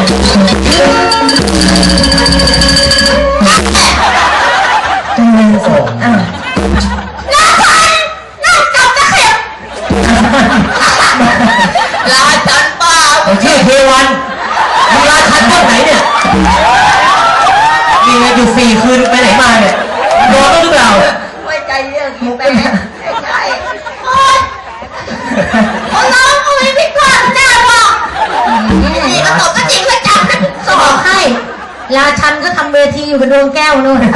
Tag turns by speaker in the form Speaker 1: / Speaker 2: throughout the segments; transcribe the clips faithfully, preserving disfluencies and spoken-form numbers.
Speaker 1: ใจเย็นสิอ่ะ
Speaker 2: น่าทันน่าจับตะเข็บราชันป้า
Speaker 1: ผมชื่อเทวันมึงราชันต้นไหนเนี่ยมีอะไรอยู่สี่คืนไปไหนมาเนี่ยโดนหรือเปล่า
Speaker 2: ไม่ใจเรื่องกินไปไม่ใช่โอ๊ยคนน้องอุ้ยพี่ก่อนหน้าบอกนี่ก็ตกก็จริงก็จับนะสอบให้ราชันก็ทำเวทีอยู่กับดวงแก้วนู่น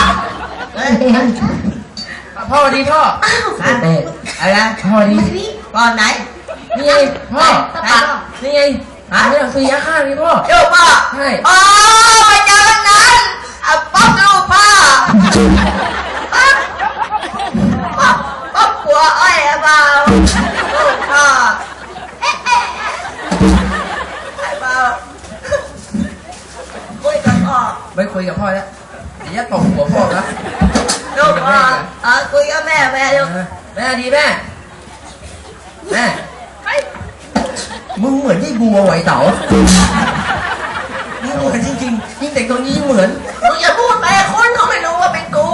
Speaker 3: พ่อดีพ่ออะไรนะ
Speaker 2: พ่อดีพ่อไหน
Speaker 3: นี่ไงพ่อนี่ไงหาเนี่ยคือยาฆ่านี่พ่อ
Speaker 2: ลูกพ่อ
Speaker 3: ใช่
Speaker 2: อ๋อมาเจอกันนั้นอ่ะป๊อกลูกพ่อป๊อกป๊อกหัวอ้อยเปล่าลูกพ่อเอ๊ะเอ๊ะไอ้เปล่าคุยกับพ่อ
Speaker 3: ไม่คุยกับพ่อแล้วเดี๋ยวจะตบหัวพ่อนะ
Speaker 2: ลูกพ่ออ่ะคุยกับแม่แม่ลูก
Speaker 3: แม่ดีแม่แม่มึงเหมือนที่บัวไหวเต๋ามึงเหมือนจริงๆยิ่งแต่งตัวนี้ยิ่งเหมือน
Speaker 2: มึงอย่าพูดไปคนเขาไม่รู้ว่าเป็นกู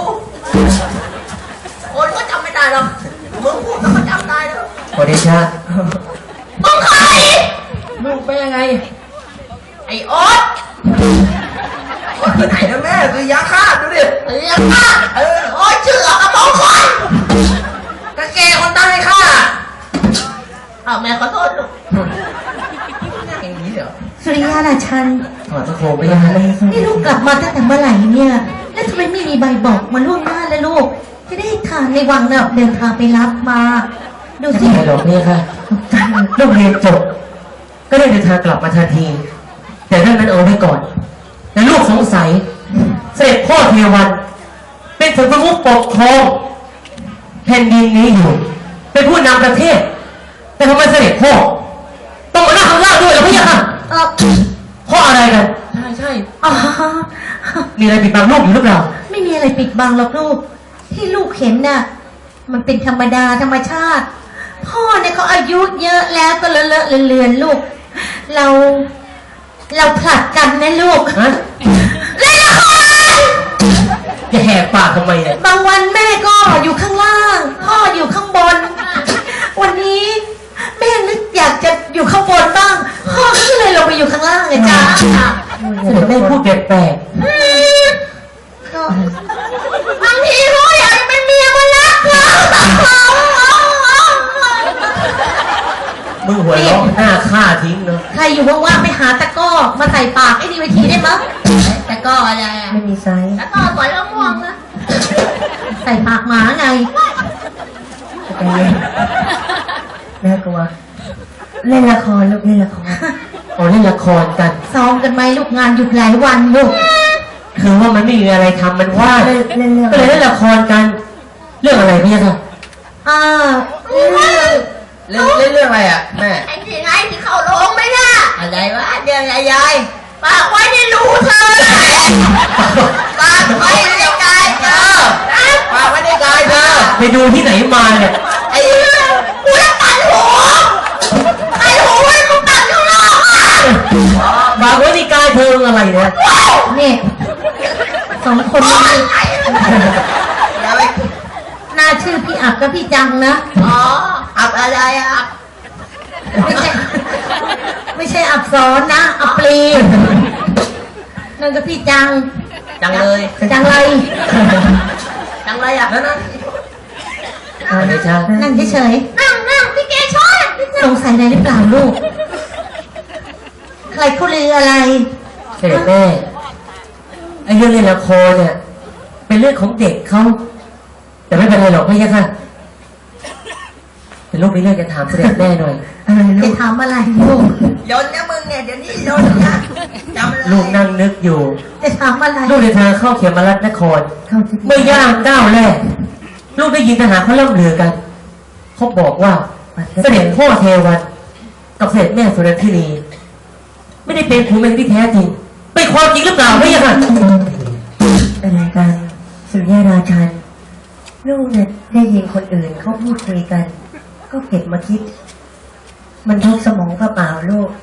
Speaker 2: คนก็จำไม่ได้หรอกมึงพูดแล้วเขาจำได้แล้ว
Speaker 1: ขอเดชะ
Speaker 2: มึงใคร
Speaker 3: มึงเป็นยังไง
Speaker 2: ไอ้โอ๊ต
Speaker 3: โอ๊ตที่ไหนนะแม่คือยาฆ่าดูดิ
Speaker 2: ยาฆ่าเออโอ๊ตชื่อเอากระบอกคน
Speaker 3: กะแกคนตั้งให้ฆ่า
Speaker 2: อ้าวแม่ขอโทษลูก
Speaker 3: อย่างนี้เหรอ
Speaker 4: สุริยาราชัน
Speaker 1: ถอดตะโขบไปยังไง
Speaker 4: นี่ลูกกลับมาตั้งแต่เมื่อไหร่เนี่ยแล้วทำไมไม่มีใบบอกมาล่วงหน้าแล้วลูกจะได้ทานในวังน่ะเดินทางไปรับมาดูสิ
Speaker 1: ไม่หรอกเนี่ยค่ะลูกเรียนจบก็ได้เดินทางกลับมาทันทีแต่เรื่องนั้นเอาไว้ก่อนแต่ลูกสงสัยเสด็จพ่อเทวันเป็นถึงประมุขปกครองแผ่นดินนี้อยู่เป็นผู้นำประเทศแต่ทำไมเสด็จพ่อต้องมานั่งข้างล่างด้วยเหรอพี่ค่ะเพราะอะไรกัน
Speaker 3: ใช่ใช่
Speaker 4: อ๋อ
Speaker 1: มีอะไรปิดบังลูกอยู่หรือเปล่า
Speaker 4: ไม่มีอะไรปิดบังหรอกลูกที่ลูกเห็นน่ะมันเป็นธรรมดาธรรมชาติพ่อเนี่ยเขาอายุเยอะแล้วก็เลอะเลอะเลือนลูกเราเราผลัดกันนะลูก
Speaker 1: ฮะ
Speaker 4: เล่นละคร
Speaker 1: จะแหกปากทำไมเนี่ย
Speaker 4: บางวันแม่ก็อยู่ข้างล่างพ่ออยู่ข้างบนวันนี้แม่นึกอยากจะอยู่ข้างบนบ้างพ่อก็เลยลงไปอยู่ข้างล่างไงจ้า
Speaker 1: เสด็จแม่พูดแปลก
Speaker 4: ๆก็บางทีพ่ออยากเป็นเมียมันรักเรา
Speaker 1: มึงหัวเราะหน้าฆ่าทิ้งเนอะ
Speaker 4: ใครอยู่ว่างๆไปหาตะก้อมาใส่ปากไอ้ดีเวทีได้มั้งตะก้ออะไรอ่ะ
Speaker 1: ไม่มีไซส์
Speaker 4: ตะก้อสวยแล้วม่วงนะใส่ปากหมาไง
Speaker 1: น่ากลัวเล่นละครลูกเล่นละครอ๋อเล่นละครกัน
Speaker 4: ซ้อมกันไหมลูกงานหยุดหลายวันลูก
Speaker 1: คือว่ามันไม่มีอะไรทำมันว่างก็เลยเล่นละครกันเรื่องอะไรเนี่ยค่ะ
Speaker 4: อ่า
Speaker 3: เรื่องเล่นเรื่องอะไรอ่ะแม่
Speaker 2: ไอ้ที่ไงที่เข้าโรงไม่น่ะอะไรวะเดี๋ยวยายปากไว้ในรูเธอปากไว้ในกายเธอ
Speaker 3: ปากไว้ในกายเธอ
Speaker 1: ไปดูที่ไหนมาเนี่ย
Speaker 2: ไอ้กูจะตัดหัวไอ้หัวไอ้กูตัดข้างนอก
Speaker 1: ปากไว้ในกายเธออะไรเนี่ย
Speaker 4: นี่สองคนนี้น่าชื่อพี่อับกับพี่จังนะ
Speaker 2: อ๋ออับอะไรอับ
Speaker 4: ไม่ใช่ไม่ใช่อับซ้อนนะอับปลีนั่นก็พี่จัง
Speaker 3: จังเลย
Speaker 4: จังเลย
Speaker 2: จังเลยอ่ะ
Speaker 3: นั่นนั่น
Speaker 4: นั่งเฉย
Speaker 2: ๆนั่งนั่งพี่เกชอน
Speaker 4: สงสัยอะไรหรือเปล่าลูกใครเขาลืออะไร
Speaker 1: เสด็จแม่ไอ้เรื่องเล่นละครเนี่ยเป็นเรื่องของเด็กเขาแต่ไม่เป็นไรหรอกพี่ค่ะ เป็นลูกมีเรื่องจะถามเสด็จแม่หน่อย
Speaker 4: จะถามอะไรลูก
Speaker 2: ยนนะมึงเนี่ยเดี๋ยวนี้ยนนะ
Speaker 1: จำลูกนั่งนึกอยู่
Speaker 4: จะถามอะไร
Speaker 1: ลูกเดินทางเข้าเขมรัตนครเมื่อย่างก้าวแรกลูกได้ยินทหารเขาเล่าลือกันเขาบอกว่าเสด็จพ่อเทวันกับเสด็จแม่สุรธินีไม่ได้เป็นผัวเมียที่แท้จริงเป็นความจริงหรือเปล่าพี่ค่ะ
Speaker 5: อะไรกันสุริยราชันลูกเนี่ยได้ยินคนอื่นเขาพูดคุยกันก็เก็บมาคิดมันทุกสมองเปล่าลูก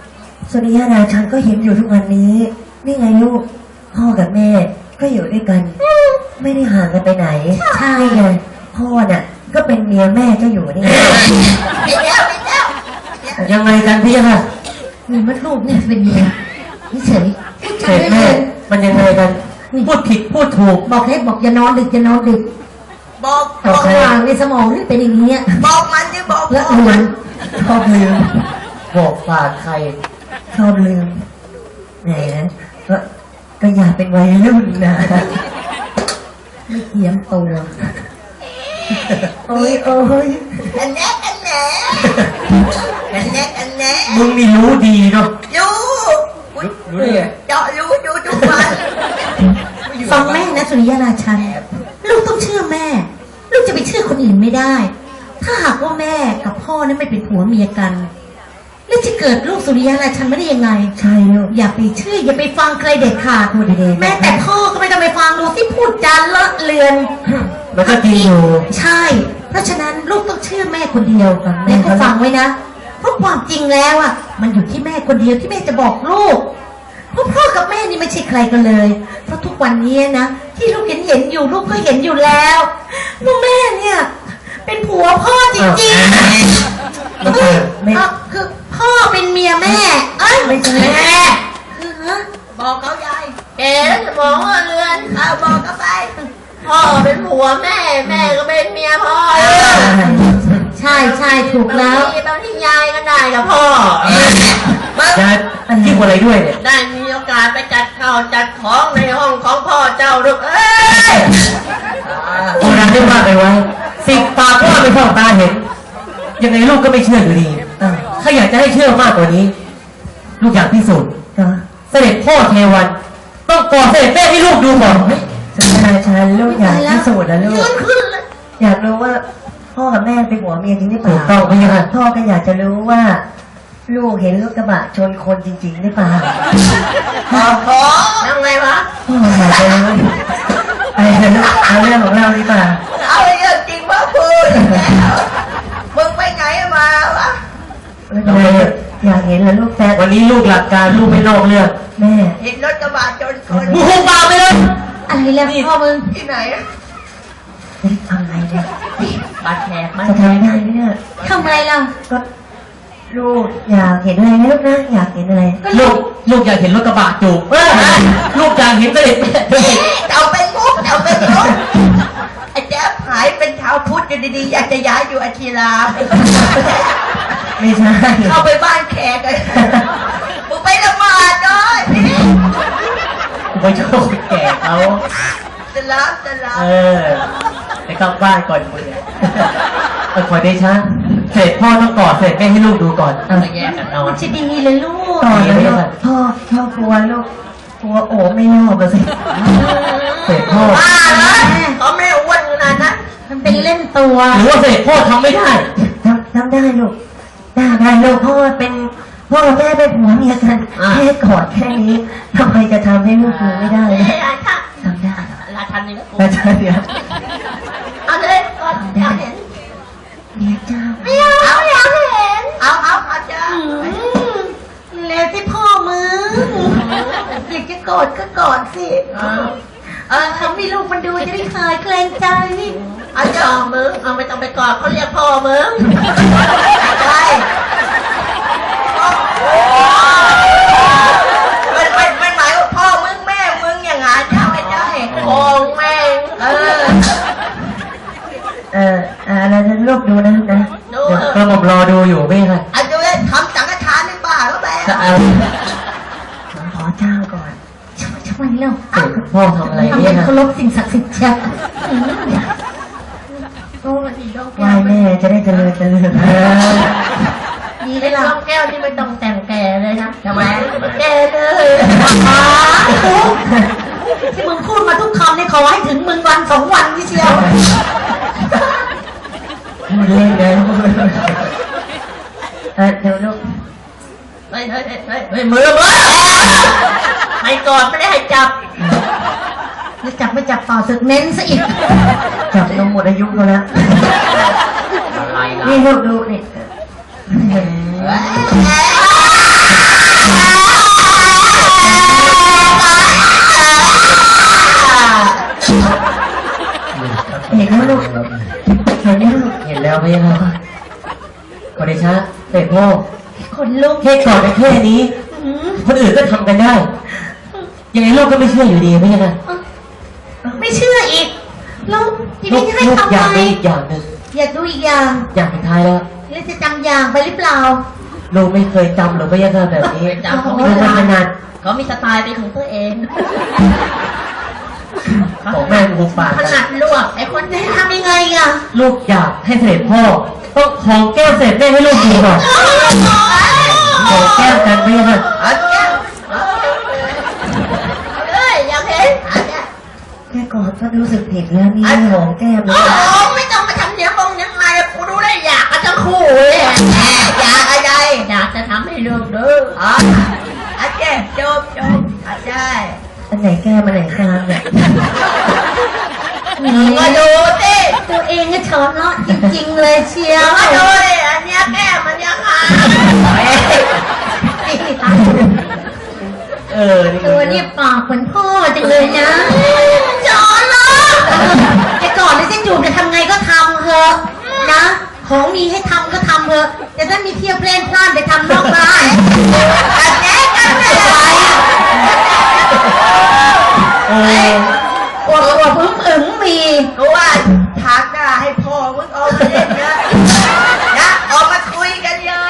Speaker 5: สุริยาราชันก็เห็นอยู่ทุกวันนี้นี่ไงลูกพ่อกับแม่ก็อยู่ด้วยกัน ไม่ได้ห่างกันไปไหนใช่ไงพ่อน่ะก็เป็นเมียแม่ก็อยู่นี่ไง
Speaker 2: ปิดแล้วปิดแล้ว
Speaker 1: ยังไงกันพี่ค่ะ
Speaker 4: มีมดลูกเนี่ยเป็นเมียนี่เฉย
Speaker 1: เสร็จแม่มันยังไงกันพูดผิดพูดถูก
Speaker 4: บอกให้บอกอย่านอนดึกอย่านอนดึก
Speaker 2: บอก
Speaker 4: ตกวางในสมองนี่เป็นอย่างนี้
Speaker 2: บอกมันดิบอก
Speaker 4: และ
Speaker 2: บอก
Speaker 4: เลื
Speaker 2: มั
Speaker 4: อน น
Speaker 5: ชอบลืม
Speaker 1: บอกฝากใคร
Speaker 5: ชอบลืมแหมก็ก็อยากเป็นวัยรุ่นนะ
Speaker 4: ไม่เทียมตัว
Speaker 5: โอ้ยโอ้ย
Speaker 2: อันแน่อันแน่อันแน่อันแน่
Speaker 1: มึงนี่รู้ดีเนาะ
Speaker 2: รู้
Speaker 3: รู้ได้ไง
Speaker 2: เจาะรู้ดูทุกวัน
Speaker 4: ฟังแม่นะสุริยราชันลูกต้องเชื่อแม่ ลูกจะไปเชื่อคนอื่นไม่ได้ ถ้าหากว่าแม่กับพ่อนั้นไม่เป็นผัวเมียกัน แล้วจะเกิดลูกสุริยราชันไม่ได้ยังไง
Speaker 5: ใช่ลูก
Speaker 4: อย่าไปเชื่ออย่าไปฟังใครเด็ดขาด
Speaker 5: พูดดีๆ
Speaker 4: แม้แต่พ่อก็ไม่ต้องไปฟังดูที่พูดจานเลอะเลือน
Speaker 1: มันก็จริงอยู่
Speaker 4: ใช่ เพราะฉะนั้นลูกต้องเชื่อแม่คนเดียวแม่ก็ฟังไว้นะ เพราะความจริงแล้วอ่ะ มันอยู่ที่แม่คนเดียวที่แม่จะบอกลูก เพราะพ่อกับแม่นี่ไม่ใช่ใครกันเลย เพราะทุกวันนี้นะที่ลูกเห็นเห็นอยู่ลูกก็เห็นอยู่แล้วว่าแม่เนี่ย เป็นผัวพ่อจริงๆ
Speaker 1: ไม่ใช่
Speaker 4: เอ้ยเอ้าคือพ่อเป็นเมียแม่เอ้ย
Speaker 5: ไม่ใช่
Speaker 4: แม่คือฮะ
Speaker 2: บอกเขายาย
Speaker 6: เอ๋จะมองว่าเรือน
Speaker 2: เอาบอกเขาไป
Speaker 6: พ่อเป็นผัวแม่ แม่ก็เป็นเมียพ่อ
Speaker 4: ใช่ใช่ถูกแล้ว
Speaker 6: บางทีบางทียายก็ได้กับพ่อ
Speaker 1: จะคิดอะไรด้วยเนี่ย
Speaker 6: ได้มีโอกาสไปจัดข้าวจัดของในห้องของพ่อเจ้าลูกเอ้ย
Speaker 1: โบราณได้ว่าไปไว้สิ่งปากว่าไม่เข้าตาเห็น ยังไงลูกก็ไม่เชื่ออยู่ดี
Speaker 5: อ่ะ
Speaker 1: ถ้าอยากจะให้เชื่อมากกว่านี้ ลูกอยากพิสูจน์
Speaker 5: ก็
Speaker 1: เสด็จพ่อเทวัน ต้องกอดเสด็จแม่ให้ลูกดูก่อน
Speaker 5: สุริยาราชันลูกอยากพิสูจน์นะลูก
Speaker 6: ยืนขึ้นเลย
Speaker 5: อยากรู้ว่าพ่อกับแม่เป็นหัวเมียจริงหรือเป
Speaker 1: ถู
Speaker 5: ล่าก
Speaker 1: ต้องไหมคะ
Speaker 5: พ่อก็อยากจะรู้ว่า ลูกเห็นรถกระบะชนคนจริงๆหรือเปล่า
Speaker 2: ขอขอ
Speaker 6: ยังไงวะ
Speaker 5: พ่ออยากจะรู้ไอ้เรื่องเอาเรื่องของเราดีกว่า
Speaker 2: เอาเรื่องจริงมาพูดแล้วมึงไปไหนมาวะ
Speaker 5: ไม่เป็นไรอยากเห็นแล้วลูกแต่
Speaker 1: วันนี้ลูกหลักการลูกไม่นอกเรื่อง
Speaker 5: แม่
Speaker 2: เห็นรถกระบะชนคน
Speaker 1: มึงคงปากไปเลย
Speaker 4: อะไรแล้วพ่อมึง
Speaker 2: ที่ไหนอะ
Speaker 5: เฮ้ยทำอะไรเนี่ย
Speaker 6: บาดแผลมัน
Speaker 5: จะทำได้ไหมเนี่ย
Speaker 4: ทำอะไรล่ะ
Speaker 5: ก็ลูกอยากเห็นอะไรนะลูกนะอยากเห็นอะไร
Speaker 4: ก็
Speaker 1: ลู
Speaker 4: ลู
Speaker 1: ก
Speaker 4: ก
Speaker 1: ลูกอยากเห็นรถกระบะจูบเออลูกอยากเห็นเสด็จแม่ด้วย
Speaker 2: เอาเป็นมุกเอาเป็นมุกไอ้แจ๊บหายเป็นชาวพุทธอยู่ดีๆอยากจะย้ายอยู่อาชีราม
Speaker 5: ไม่ใช่
Speaker 2: เข้าไปบ้านแขกเลยมึงไปละหมาดด้วยพี่
Speaker 1: กูไปชอบคนแก่เขา
Speaker 2: สลามสลาม
Speaker 1: เออไปกลับบ้านก่อนมึงเนี่ยเออขอเดชะเสร็จพ่อต้องกอดเสร็จแม่ให้ลูกดูก่อน
Speaker 6: มาแยกกันนอน
Speaker 4: มันจะดีเลยลูก
Speaker 5: ต่อเลยลูกพ่อพ่อกลัวลูกกลัวโอ้ไม่รอบอะสิ
Speaker 1: เสร็จพ่อ
Speaker 6: บ้าเหรอเขาไม่ได้อ้วนขนาดนั้น
Speaker 4: มันเป็นเล่นตัว
Speaker 1: หรือว่าเสร็จพ่อทำไม่ได้
Speaker 5: ทำทำได้ลูกได้ได้ลูกพ่อเป็นพ่อกับแม่เป็นผัวเมียกัน
Speaker 1: อ่า
Speaker 5: แค่กอดแค่นี้ทำไมจะทำให้ลูกดูไม่ได้
Speaker 6: เอ้
Speaker 5: นะ
Speaker 6: ยราชา
Speaker 5: ทำได้
Speaker 6: ราชันนี่ก็กู
Speaker 5: แต่เธอเดี๋ยว
Speaker 6: เอาเลยก่อนอยากเห็น
Speaker 5: เมียเจ้า
Speaker 6: ไม่เอาอยากเห็น
Speaker 2: เอาเอาเอาจ้า
Speaker 4: แล้วที่พ่อมึงอยากจะกอดก็กอดสิ เออเขามีลูกมันดูจะได้คลายเกรงใจ
Speaker 6: เอาเจ้ามึงเอาไม่ต้องไปกอดเขาเรียกพ่อมึง
Speaker 2: ใช่มันมันมันหมายว่าพ่อมึงแม่มึงอย่างงั้นใช่ไม่ใช่
Speaker 6: โกงแม่ง
Speaker 2: เออ
Speaker 5: เอออ่าแล้วจะลูกดูนะลูกนะ
Speaker 6: ดู
Speaker 1: เดี๋ยวกระหม่อมรอดูอยู่ไม่ค่ะ
Speaker 2: เอาดูเลยทำสังฆทานในป่าก็แม่
Speaker 1: จะเอา
Speaker 5: ขอเจ้าก่อน
Speaker 4: ช่วยช่วยเร็ว
Speaker 1: เสร็จพ่อทำอะไร
Speaker 4: ทำ
Speaker 1: เนี่
Speaker 4: เป็
Speaker 1: ย
Speaker 4: น
Speaker 1: ค่ะ
Speaker 4: เคารพสิ่งศักดิ์สิทธิ์เชียว
Speaker 6: โอ้ยดอก
Speaker 5: ไห
Speaker 6: แก้
Speaker 5: วาว แม่จะได้เจริญเจริญ
Speaker 1: เออ
Speaker 4: ดี
Speaker 6: ไอ้
Speaker 4: เลย
Speaker 6: ด
Speaker 4: ล่ะ
Speaker 6: อกแก้วนี่ไม่ต้องแต่งแก่เลยนะ
Speaker 2: ทำไม
Speaker 6: แก่เลย
Speaker 4: ที่มึงพูดมาทุกคำนี่ขอให้ถึงมึงวันสองวันนี่เชียว
Speaker 5: พูดเล่นนะพูดเล่นเออเดี๋ยวลูก
Speaker 6: เฮ้ยเฮ้ยเฮ้ยเฮ้ยเฮ้ยมือมือให้กอดไม่ได้ให้จับ
Speaker 4: จะจับไม่จับเปล่าสึกเน้นซะอีก
Speaker 5: จับนมหมดอายุเขาแล้ว
Speaker 6: อะไรล่ะ
Speaker 5: นี่ลูกดูนี่
Speaker 2: เอ้ย
Speaker 1: พี่ครับขอเดชะเสด็จพ่อ
Speaker 4: คนลุก
Speaker 1: แค่กอดกันแค่นี้
Speaker 4: อืม
Speaker 1: คนอื่นก็ทำกันได้ ยังไงลูกก็ไม่เชื่ออยู่ดีพี่นะ
Speaker 4: ไม่เชื่ออีกแล้วที
Speaker 1: ลู
Speaker 4: นี้
Speaker 1: ก
Speaker 4: จะให้
Speaker 1: ลูก
Speaker 4: ทำ
Speaker 1: อยาก
Speaker 4: ไง
Speaker 1: ดูอีกอย่างหนึ่ง
Speaker 4: อยากดูอีกอย่าง
Speaker 1: อย่างสุดท้ายแล้ว
Speaker 4: แล้วจะจำอย่างไปหรือเปล่า
Speaker 1: ลูกไม่เคยจำหรือไม่ยังแบบนี้
Speaker 6: จำเขา
Speaker 1: ลู
Speaker 6: ไม่
Speaker 1: กมัน
Speaker 6: ได้
Speaker 1: ขนาด
Speaker 6: เขามีสไตล์เป็นของตัวเอง
Speaker 1: ของแม่กูฝาก
Speaker 6: ถนัดลวกไอ้คน
Speaker 4: จะ
Speaker 6: นี้
Speaker 4: ให้ทำยังไงอ่ะ
Speaker 1: ลูกอยากให้เสด็จพ่อ ต้องของแก้วเสด็จแม่ให้ลูกดูก่อนของแก้วกันพี่ค่ะ
Speaker 6: เอาแก้วเอาแก้วเอ้ยอยากเห็นอันเนี้ย
Speaker 5: แค่กอดก็รู้สึกผิดแล้วนี่หอมแก้มเล
Speaker 6: โอ้
Speaker 5: ย
Speaker 6: โหไม่ต้องมาทำเนี้ยบงยังไงกูดูได้อยากกันทั้งคู่เลยอะแหมอยากอะไรอยากจะทำให้ลูกดูอ๋อโอเคจบจบอาจารย์
Speaker 5: อันไหนแก้มอันไหนกลางเนี่ย
Speaker 6: มึงมาดูสิ
Speaker 4: ตัวเองก็ช้อนเลาะจริงๆเลยเชีย
Speaker 6: มึ
Speaker 4: ว
Speaker 6: งมาดูดิอันเนี้ยแก้มันยังไง
Speaker 1: เออนี่
Speaker 4: ตัวนี้ปากเหมือนพ่อจังเลยนะช้อนเลาะจะก่อนหรือจะจูบจะทำไงก็ทำเถอะนะ ของมีให้ทำก็ทำเถอะแต่ถ้ามีเที่ยวเพลนพลาดไปทำนอกบ้าน
Speaker 6: อันเนี้ยกันเลย
Speaker 1: เออ
Speaker 4: อวดอวดพึ่งอึ๋งมี
Speaker 6: กูว่าทักหน้าให้พ่อมึงออกมาเล่นนะนะออกมาคุยกันเลย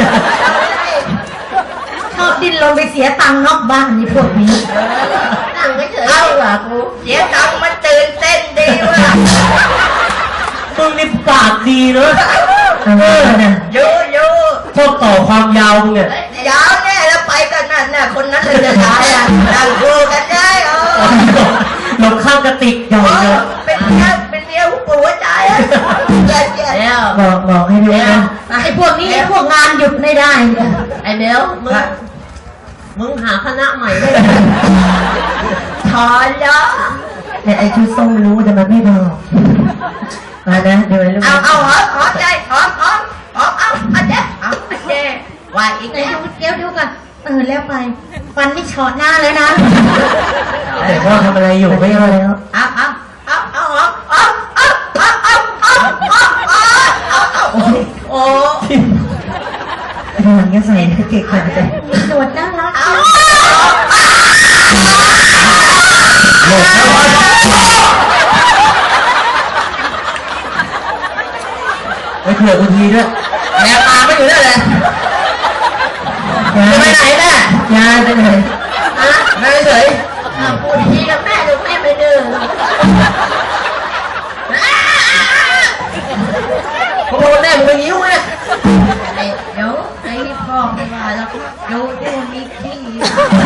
Speaker 4: ชอบดิ้นรนไปเสียตังค์นอกบ้านนี่พวกนี้
Speaker 6: นั่งเฉยๆดีกว่ากูเสียตังค์มันตื่นเต้นดีว่ะ
Speaker 1: มึงนี่ปากดีเนอะ
Speaker 5: เออนะ
Speaker 6: ยูยู
Speaker 1: ชอบต่อความยาวมึงเนี่ย
Speaker 6: ยาวแน่แล้วไปกันนั่นน่ะคนนั้นเลยจะตายอ่ะนั่งดูกันได้เออ
Speaker 1: หลบข้างกระติกใหญ่เลย
Speaker 6: เป็นเมียเป็นเมียหัวปูหัวใจอ่ะเจ็ดเจ็ดแล้ว
Speaker 5: บอกบอกให้รู้นะ
Speaker 4: ไอ้พวกนี้ไอ้พวกงานหยุดไม่ได้เนี่ย
Speaker 6: ไอ้เบลมึงมึงหาคณะใหม่ได้ถอนแล้ว
Speaker 5: แต่ไอชุดส้มรู้แต่มันไม่บอกมานะเดี๋ยวลูก
Speaker 6: เอาเอาหอมหอมใจหอมหอมหอมเอาอันเจ๊เอาอันเจ๊ว่าอีก
Speaker 4: ไหน
Speaker 6: แล้ว
Speaker 4: ดูเดี๋ยวดูกันเออแล้วไปฟันไม่เฉาะหน้าแล้วนะ
Speaker 1: แต่พ่อทำอะไรอยู่ไม่
Speaker 5: ไม่
Speaker 1: เอา
Speaker 5: เอา
Speaker 1: เลย
Speaker 5: แล้ว
Speaker 6: เอาเอาเอาเอาเอาเอาเอาเอาเอาเอาเอาเอาโอ้โอ้
Speaker 5: ทีหลังจะใส่เก่งขนาดนี้
Speaker 4: มีหนวดน่ารัก
Speaker 6: เอา
Speaker 1: ไปเผื่อกูทีด้วย
Speaker 6: แม่ปลาไม่อยู่ได้เลย
Speaker 5: ยา
Speaker 6: จะไปไหนแม่
Speaker 5: ยาไปไหน
Speaker 6: ฮะแม่เฉยพูดดีกับแม่ดูแม่ไม่ดื้อพอแม่มึงไปยิ้วไงเดี๋ยวไอ้พ่อไม่ว่าแล้วดูดูมีขี้